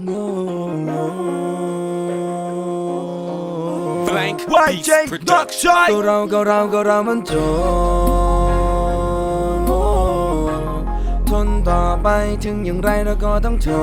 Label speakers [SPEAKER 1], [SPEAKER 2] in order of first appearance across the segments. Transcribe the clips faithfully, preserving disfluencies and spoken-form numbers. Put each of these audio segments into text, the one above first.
[SPEAKER 1] Blank Beats Production
[SPEAKER 2] ก็เราก็เราก็เรามันจนทนต่อไปถึงอย่างไรเราก็ต้องท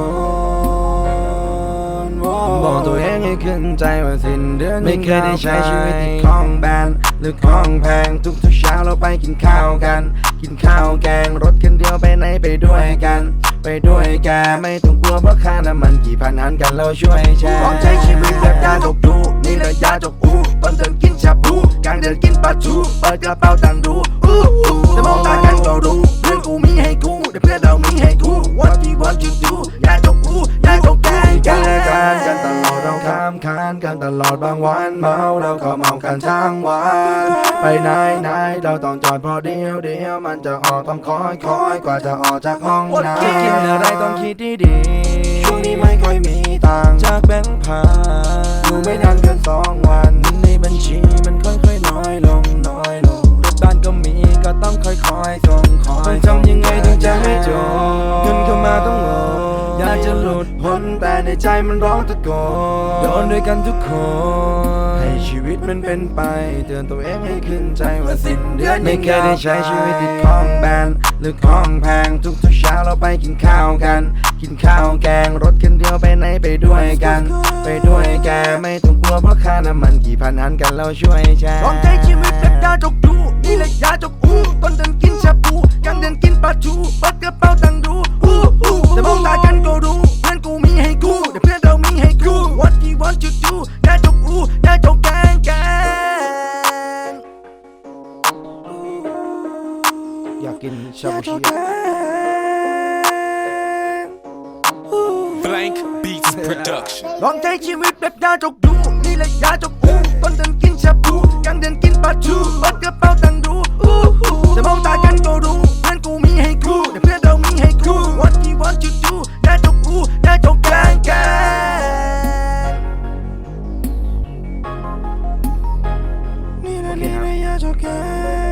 [SPEAKER 2] นบอกตัวเองให้ขึ้นใจว่าสิ้นเดือนไม่เคยได้ใช้ชีวิตที่คล่องแบนหรือคล่องแพงทุกๆเช้าเราไปกินข้าวกันกินข้าวแกงรถคันเดียวไปไหนไปด้วยกันไปด้วยแกไม่ต้องกลัวเพราะค่าน้ำมันกี่พันหันกันเราช่วยแชร์ลองใช้ชีวิตแบบยาจกดูนี่แหละยาจกอูตอนเดินกินชาบูกลางเดินกินปลาทูเปิดกระเป๋าตังค์ดูอู้อู้แต่มองตากันก็รู้เพื่อนกูมีให้กูแต่เพื่อนเรามีให้กู What we want to do ยาจกอูยาจกแกงกันและกันกันตลอดเราข้ามคานกันตลอดบางวันเมาเราก็เมากันทั้งวันไปไหนไหนเราต้องจอดพอเดียวเดียวมันจะออกต้องคอยคอยกว่าจะออกจากห้องน้ำคิดกินอะไรต้องคิดดีๆช่วงนี้ไม่ค่อยมีตังค์จากแบงค์พันอยู่ไม่นานเกินสองวันในบัญชีมันค่อยๆน้อยลงน้อยลงรถบ้านก็มีก็ต้องค่อยๆส่งคอยต้องทำยังไงถึงจะไม่จบเงินเข้ามาต้องรออยากจะหลุดพ้นแต่ในใจมันร้องตะโกนโดนด้วยกันทุกคนให้ชีวิตมันเป็นไปเตือนตัวเองให้ขึ้นใจว่าสิ้นเดือนไม่เคยได้ใช้ชีวิตที่คล่องแบนหรือคล่องแพงทุกๆเช้าเราไปกินข้าวกันกินข้าวแกงรถคันเดียวไปไหนไปด้วยกันไปด้วยแกไม่ต้องกลัวเพราะค่าน้ำมันกี่พันหันกันเราช่วยแชร์ลองใช้ชีวิตแบบยาจกดูนี่แหละยาจกอูตอนเดินกินชาบูกลางเดินกินปลาทูเปิดกระเป๋าตังค์ดูอู้อู้แต่มองตากันก็รู้เพื่อนกูมีให้กูแต่เพื่อนเรามีให้กู What we want to do ยาจกอูยาจกแกงแกงอยากกินชาบูชิ
[SPEAKER 1] Blank Beats Production
[SPEAKER 2] ลองใช้ชีวิตแบบยาจกดูนี่แหละยาจกอูตอนเดินกินชาบูกลางเดินกินปลาทูเปิดกระเป๋าตังค์ดูอู้หูแต่มองตากันก็รู้เพื่อนกูมีให้กูแต่เพื่อนเรามีให้กู What we want to do ยาจกอูยาจกแกงแกงนี่แหละนี่แหละยาจกแกง